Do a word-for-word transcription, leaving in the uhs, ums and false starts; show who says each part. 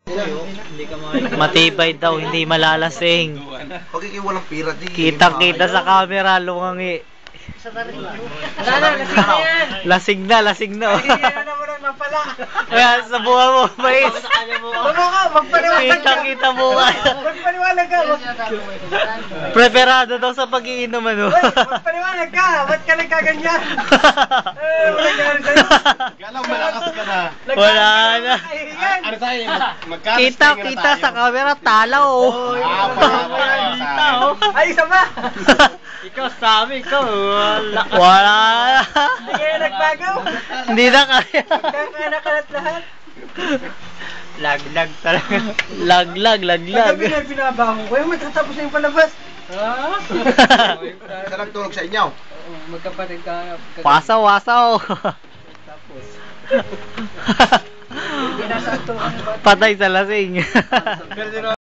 Speaker 1: Matibay daw, hindi malalasing.
Speaker 2: Pagkiki walang pira di.
Speaker 1: Kita-kita sa camera, lumangi.
Speaker 3: Wala na, lasing na yan.
Speaker 1: Lasing na, lasing na.
Speaker 3: Ay, ano mo na mapala.
Speaker 1: Kaya sa buha mo, mais.
Speaker 3: Baba ka, magpaniwalag ka.
Speaker 1: Kita-kita mo ka.
Speaker 3: Magpaniwalag ka.
Speaker 1: Preparado daw sa pag-iinom, ano?
Speaker 3: Uy, magpaniwalag ka. Ba't ka nagkaganyan? Eh, wala ganyan sa'yo.
Speaker 2: Kala mo malakas ka na.
Speaker 1: Wala na.
Speaker 2: Ano tayo? Magkano
Speaker 1: Kita-kita sa camera, talaw.
Speaker 2: Ah,
Speaker 1: Kita, oh.
Speaker 3: Ay, isa ba?
Speaker 1: Ikaw sabi, ikaw. Wala. Wala na.
Speaker 3: Hindi kayo nagbago?
Speaker 1: Hindi na kaya.
Speaker 3: Magkakanakalat lahat.
Speaker 1: Laglag talaga. Laglag, laglag.
Speaker 3: Pagkabi na binabaho ko, yung matatapos na yung palabas. Ha?
Speaker 2: Saan nagtulog sa inyo?
Speaker 3: Magkapatid ka.
Speaker 1: Wasaw, wasaw.
Speaker 3: Tapos. Pinasa ito.
Speaker 1: Patay sa lasing.